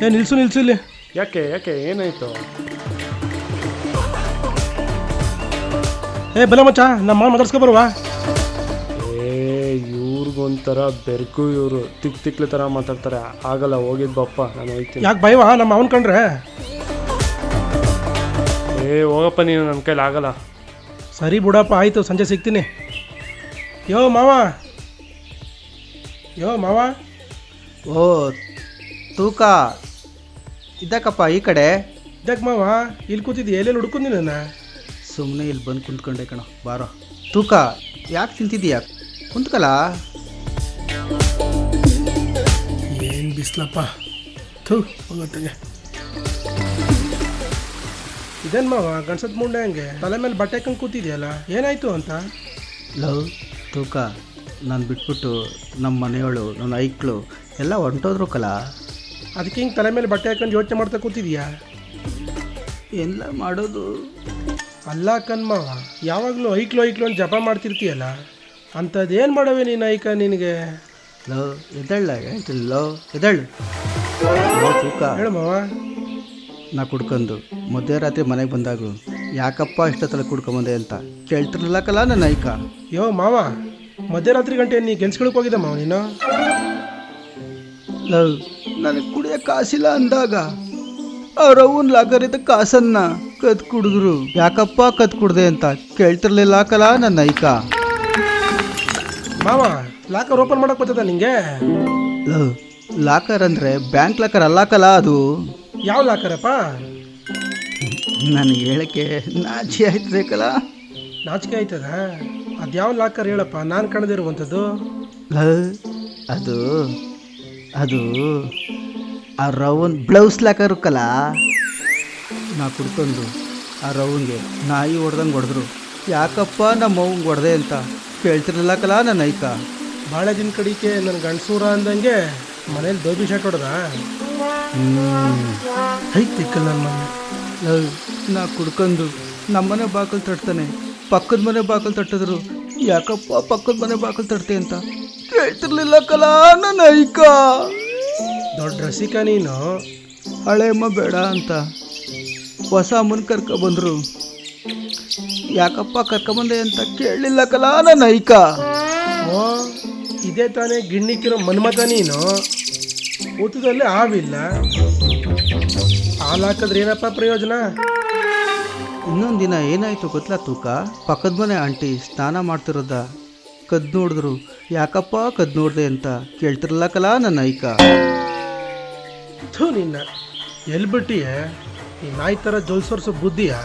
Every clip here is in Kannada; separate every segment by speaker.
Speaker 1: ನಿಲ್ಸು ನಿಲ್ಸು ಇಲ್ಲಿ.
Speaker 2: ಯಾಕೆ ಯಾಕೆ ಏನಾಯ್ತು?
Speaker 1: ಬಲ ಮಚ್ಚ, ನಮ್ಮ ಮಾವ ಮಾತಾಡ್ಸ್ಕೊ ಬರುವ.
Speaker 2: ಇವ್ರಿಗೊಂಥರ ಬೆರ್ಕು, ಇವರು ತಿಕ್ಲೆ ಥರ ಮಾತಾಡ್ತಾರೆ. ಆಗಲ್ಲ, ಹೋಗಿದ್ ಬಪ್ಪ, ನಾನು ಹೋಗ್ತೀನಿ.
Speaker 1: ಯಾಕೆ ಭಯವಾ ನಮ್ಮ ಅವನ್ ಕಂಡ್ರೆ?
Speaker 2: ಹೋಗಪ್ಪ ನೀನು, ನನ್ನ ಕೈಲಿ ಆಗಲ್ಲ.
Speaker 1: ಸರಿ ಬಿಡಪ್ಪ, ಆಯಿತು, ಸಂಜೆ ಸಿಗ್ತೀನಿ. ಯೋ ಮಾವ.
Speaker 3: ಓ ತೂಕ ಇದ್ದಕ್ಕಪ್ಪ ಈ ಕಡೆ.
Speaker 1: ಇದಕ್ಕೆ ಮಾವ ಇಲ್ಲಿ ಕೂತಿದ್ದೆ, ಎಲ್ಲೆಲ್ಲಿ ಹುಡ್ಕೊಂಡಿ ನನ್ನ?
Speaker 3: ಸುಮ್ಮನೆ ಇಲ್ಲಿ ಬಂದು ಕುಂತ್ಕೊಂಡೆ ಕಣೋ, ಬಾರೋ. ತೂಕ ಯಾಕೆ ತಿಂತಿದ್ದೀಯಾ? ಕುಂತ್ಕಲ್ಲ.
Speaker 1: ಏನು ಬಿಸ್ಲಪ್ಪ, ಥೂ ಹೋಗತ್ತಗೆ. ಇದೇನು ಮಾವ ಗಣಸದ ಮುಂಡೆ ಹಂಗೆ ತಲೆ ಮೇಲೆ ಬಟ್ಟೆ ಹಾಕೊಂಡು ಕೂತಿದ್ಯಲ್ಲ, ಏನಾಯ್ತು ಅಂತ?
Speaker 3: ಲವ್ ತೂಕ, ನಾನು ಬಿಟ್ಬಿಟ್ಟು ನಮ್ಮ ಮನೆಯವಳು, ನನ್ನ ಐಕ್ಳು ಎಲ್ಲ ಹೊಂಟೋದ್ರು ಕಲ.
Speaker 1: ಅದಕ್ಕೆ ಹಿಂಗೆ ತಲೆ ಮೇಲೆ ಬಟ್ಟೆ ಹಾಕೊಂಡು ಯೋಚನೆ ಮಾಡ್ತಾ ಕೂತಿದ್ಯಾ?
Speaker 3: ಎಲ್ಲ ಮಾಡೋದು
Speaker 1: ಅಲ್ಲ ಕಣ್ಮಾವ, ಯಾವಾಗಲೂ ಐಕ್ಲು ಅಂತ ಜಪ ಮಾಡ್ತಿರ್ತೀಯಲ್ಲ, ಅಂಥದ್ದೇನು ಮಾಡವೆ ನೀನು ಐಕ ನಿನಗೆ?
Speaker 3: ಲವ್ ಎದಳ್ಳ ಹೇಳ್ತೀನಿ, ಲವ್ ಎದಳ್ಳು. ತೂಕ
Speaker 1: ಹೇಳು ಮಾವ.
Speaker 3: ನಾ ಕುಡ್ಕೊಂಡು ಮಧ್ಯರಾತ್ರಿ ಮನೆಗೆ ಬಂದಾಗು ಯಾಕಪ್ಪ ಇಷ್ಟೊತ್ತಲ್ಲ ಕುಡ್ಕೊಂಬಂದೆ ಅಂತ ಕೇಳ್ತಿರ್ಲಿಲ್ಲ ಕಲ ನನ್ನ ಐಕ.
Speaker 1: ಯೋ ಮಾವ, ಮಧ್ಯರಾತ್ರಿ ಗಂಟೆ ನೀ ಕೆಲ್ಸಗಳಿಗೆ ಹೋಗಿದ್ದ ಮಾವ ನೀನು?
Speaker 3: ಲವ್ ನನಗೆ ಕುಡಿಯೋ ಕಾಸಿಲ್ಲ ಅಂದಾಗ ಅವ್ರವ್ವನ ಲಾಕರಿದ್ದ ಕಾಸನ್ನ ಕದ್ ಕುಡಿದ್ರು. ಯಾಕಪ್ಪ ಕದ್ ಕುಡ್ದೆ ಅಂತ ಕೇಳ್ತಿರ್ಲಿಲ್ಲ ಕಲ ನನ್ನ ಐಕ.
Speaker 1: ಮಾವ, ಲಾಕರ್ ಓಪನ್ ಮಾಡಕ್ ಬರ್ತದ ನಿಂಗೆ?
Speaker 3: ಲವ್ ಲಾಕರ್ ಅಂದರೆ ಬ್ಯಾಂಕ್ ಲಾಕರ್ ಅಲ್ಲ ಕಲ, ಅದು
Speaker 1: ಯಾವ ಲಾಕರಪ್ಪ?
Speaker 3: ನನಗೆ ಹೇಳಕ್ಕೆ ನಾಚಿ ಆಯ್ತದೆ ಕಲ.
Speaker 1: ನಾಚಿಕೆ ಆಯ್ತದ? ಅದ್ಯಾವ ಲಾಕರ್ ಹೇಳಪ್ಪ, ನಾನು ಕಾಣದಿರುವಂಥದ್ದು.
Speaker 3: ಲವ್ ಅದು ಅದು ಆ ರವನ್ ಬ್ಲೌಸ್ ಲಾಕರು ಕಲ. ನಾ ಕುಡ್ಕೊಂಡು ಆ ರವನ್ಗೆ ನಾಯಿ ಹೊಡೆದಂಗೆ ಹೊಡೆದ್ರು. ಯಾಕಪ್ಪ ನಮ್ಮ ಅವ್ವಂಗೆ ಹೊಡೆದೆ ಅಂತ ಕೇಳ್ತಿರ್ಲಿಲ್ಲ ಕಲ ನನ್ನ ಐಕ.
Speaker 1: ಭಾಳ ದಿನ ಕಡಿಕೆ ನನ್ನ ಗಂಡಸೂರ ಅಂದಂಗೆ ಮನೇಲಿ ದೋಬಿ ಶಾಟ್ ಹೊಡೆದ ಐತಿಕ್ಕಲ್ಲ ನನ್ನ ಮನೆ.
Speaker 3: ಲವ್ ನಾ ಕುಡ್ಕೊಂಡು ನಮ್ಮನೆ ಬಾಕಲು ತಟ್ತಾನೆ, ಪಕ್ಕದ ಮನೆ ಬಾಕಲು ತಟ್ಟಿದ್ರು. ಯಾಕಪ್ಪ ಪಕ್ಕದ ಮನೆ ಬಾಕಲು ತಟ್ತೆ ಅಂತ ಕೇಳ್ತಿರ್ಲಿಲ್ಲ ಕಲ ನನ್ನ ಐಕ.
Speaker 1: ದೊಡ್ಡ ರಸಿಕ ನೀನು.
Speaker 3: ಹಳೆ ಅಮ್ಮ ಬೇಡ ಅಂತ ಹೊಸ ಅಮ್ಮನ ಕರ್ಕೊಬಂದ್ರು. ಯಾಕಪ್ಪ ಕರ್ಕೊಂಬಂದೆ ಅಂತ ಕೇಳಲಿಲ್ಲ ಕಲ ನನ್ನ ಐಕ.
Speaker 1: ಓ, ಇದೇ ತಾನೇ ಗಿಣ್ಣಿಕ್ಕಿರೋ ಮನ್ಮತ ನೀನು. ಊಟದಲ್ಲಿ ಆವಿಲ್ಲ, ಹಾಲು ಹಾಕಿದ್ರೆ ಏನಪ್ಪ ಪ್ರಯೋಜನ?
Speaker 3: ಇನ್ನೊಂದು ದಿನ ಏನಾಯ್ತು ಗೊತ್ತಲ್ಲ ತೂಕ? ಪಕ್ಕದ ಮನೆ ಆಂಟಿ ಸ್ನಾನ ಮಾಡ್ತಿರೋದ ಕದ್ದು ನೋಡಿದ್ರು. ಯಾಕಪ್ಪ ಕದ್ದು ನೋಡಿದೆ ಅಂತ ಕೇಳ್ತಿರಲ್ಲ ಕಲ ನನ್ನ ಐಕ.
Speaker 1: ಥೂ ನಿನ್ನ, ಎಲ್ಲಿ ಬಿಟ್ಟಿಯ ಈ ನಾಯಿ ಥರ ಜೋಲ್ಸೋರ್ಸೋ ಬುದ್ಧಿಯ?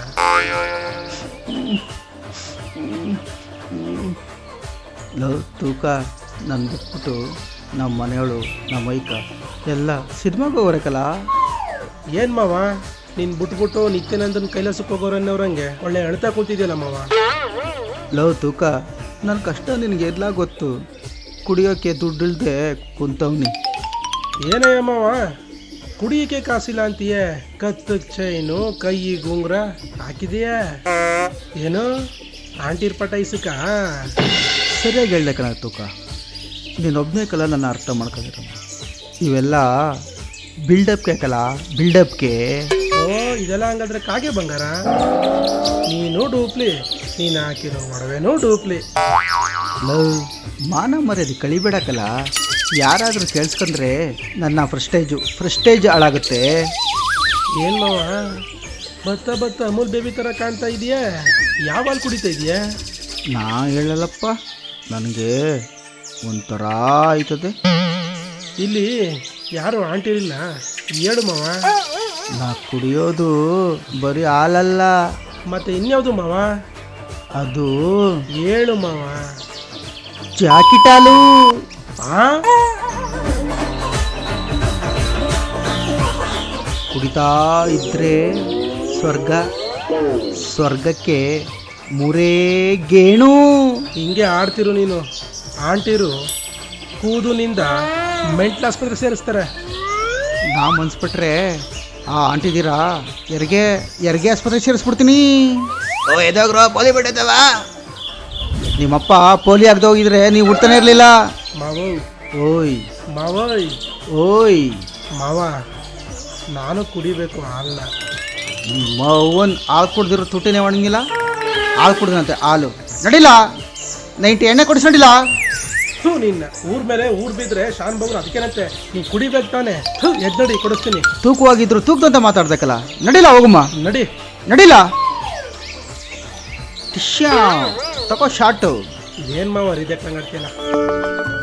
Speaker 3: ಲವ್ ತೂಕ, ನನ್ನ ಬಿಟ್ಬಿಟ್ಟು ನಮ್ಮ ಮನೆಯವಳು ನಮ್ಮ ಐಕ ಎಲ್ಲ ಸಿನಿಮಾಗೆ ಹೋಗೋರಕಲ್ಲ.
Speaker 1: ಏನು ಮಾವ, ನೀನು ಬಿಟ್ಬಿಟ್ಟು ನಿತ್ಯಾನಂದನ ಕೈಲಾಸಕ್ಕೆ ಹೋಗೋರನ್ನವ್ರಂಗೆ ಒಳ್ಳೆ ಅಳ್ತಾ ಕೂತಿದ್ಯಲ್ಲ ಮಾವ.
Speaker 3: ಲವ್ ತೂಕ, ನನ್ನ ಕಷ್ಟ ನಿನಗೆ ಎಲ್ಲ ಗೊತ್ತು. ಕುಡಿಯೋಕ್ಕೆ ದುಡ್ಡಿಲ್ದೆ ಕುಂತವ್ನಿ.
Speaker 1: ಏನಯ್ಯ ಮಾವ, ಕುಡಿಯೋಕೆ ಕಾಸಿಲ್ಲ ಅಂತೀಯ? ಕತ್ತಕ್ಕೆ ಚೈನು, ಕೈಗೆ ಉಂಗುರ ಹಾಕಿದೆಯಾ? ಏನು ಆಂಟಿರ್ ಪಟಾಯಿಸಕ್ಕ?
Speaker 3: ಸರಿಯಾಗಿ ಹೇಳ್ದೆ ಕಣ ತೂಕ. ನೀನೊಬ್ಬನೇ ಕಲ ನನ್ನ ಅರ್ಥ ಮಾಡ್ಕೊಂಡಿರೋ. ಇವೆಲ್ಲ ಬಿಲ್ಡಪ್ಗೆ ಕಲ, ಬಿಲ್ಡಪ್ಗೆ.
Speaker 1: ಓ, ಇದೆಲ್ಲ ಹಂಗಾದ್ರೆ ಕಾಗೆ ಬಂಗಾರ. ನೀನು ಡೂಪ್ಲಿ, ನೀನು ಹಾಕಿರೋ ಒಡವೆನೂ ಡೂಪ್ಲಿ.
Speaker 3: ಲವ್ ಮಾನ ಮರ್ಯಾದೆ ಕಳಿಬೇಡಕಲ್ಲ. ಯಾರಾದರೂ ಕೇಳಿಸ್ಕೊಂಡ್ರೆ ನನ್ನ ಫ್ರಸ್ಟೇಜ್ ಹಾಳಾಗುತ್ತೆ.
Speaker 1: ಏನು ಮಾವ, ಬತ್ತ ಅಮೂಲ್ ಬೇಬಿ ಥರ ಕಾಣ್ತಾ ಇದೆಯಾ? ಯಾವ ಹಾಲು ಕುಡಿತಾ ಇದೆಯಾ?
Speaker 3: ನಾ ಹೇಳಲ್ಲಪ್ಪ, ನನಗೆ ಒಂಥರ ಆಯ್ತದೆ.
Speaker 1: ಇಲ್ಲಿ ಯಾರು ಆಂಟಿ ಇಲ್ಲ, ಹೇಳು ಮಾವ.
Speaker 3: ನಾ ಕುಡಿಯೋದು ಬರೀ ಹಾಲಲ್ಲ.
Speaker 1: ಮತ್ತೆ ಇನ್ಯಾವುದು ಮಾವ?
Speaker 3: ಅದು
Speaker 1: ಹೇಳು ಮಾವ.
Speaker 3: ಜಾಕೆಟ್ ಹಾಲು. ಕುಡಿತಾ ಇದ್ರೆ ಸ್ವರ್ಗಕ್ಕೆ ಮೂರೇ ಗೇಣು.
Speaker 1: ಹಿಂಗೆ ಆಡ್ತಿರು ನೀನು. ಆಂಟಿರು ಕೂದಲಿನಿಂದ ಮೆಂಟಲ್ ಆಸ್ಪತ್ರೆ ಸೇರಿಸ್ತಾರೆ.
Speaker 3: ನಾ ಮನ್ಸ್ಬಿಟ್ರೆ ಆ ಆಂಟಿದ್ದೀರಾ ಹೆರಿಗೆ ಆಸ್ಪತ್ರೆ ಸೇರಿಸ್ಬಿಡ್ತೀನಿ. ಓ ಎದೋಗ್ರೋ, ಪೋಲಿ ಬಿಟ್ಟಿದ್ದಾವ. ನಿಮ್ಮಪ್ಪ ಪೋಲಿ ಆಗದೆ ಹೋಗಿದ್ರೆ ನೀವು ಹುಡ್ತಾನೆ ಇರಲಿಲ್ಲ.
Speaker 1: ಮಾವ
Speaker 3: ಓಯ್
Speaker 1: ಮಾವಯ್
Speaker 3: ಓಯ್
Speaker 1: ಮಾವ, ನಾನು ಕುಡಿಬೇಕು ಹಾಲನ್ನ.
Speaker 3: ಮೌನ್ ಹಾಲು ಕುಡ್ದಿರೋ ತುಟಿನೇ ಒಣಗಿಲ್ಲ, ಹಾಲು ಕುಡ್ದಂತೆ ಹಾಲು. ನಡಿಲ್ಲ 90 ಎಣ್ಣೆ ಕೊಡಿಸಿ ನಡಿಲ್ಲ.
Speaker 1: ಥೂ ನಿನ್ನ ಊರ್ ಮೇಲೆ ಊರ್ ಬಿದ್ರೆ ಶಾನ್ ಬಗ್ರು ಅದಕ್ಕೇನಂತೆ, ನೀ ಕುಡಿಬೇಕು ತಾನೆ. ಎದ್ದಡಿ ಕೊಡಿಸ್ತೀನಿ.
Speaker 3: ತೂಕವಾಗಿದ್ರು ತೂಕದಂತ ಮಾತಾಡ್ಬೇಕಲ್ಲ. ನಡಿಲ್ಲ ಹೋಗಮ್ಮ,
Speaker 1: ನಡಿ.
Speaker 3: ನಡಿಲ್ಲ. ಟಿಶ್ಯಾ ತಗೋ ಶಾರ್ಟು.
Speaker 1: ಏನ್ ಮಾವ ರಿಜೆಕ್ಟ್ ಹಂಗಾಡ್ತೀಯಲ್ಲ.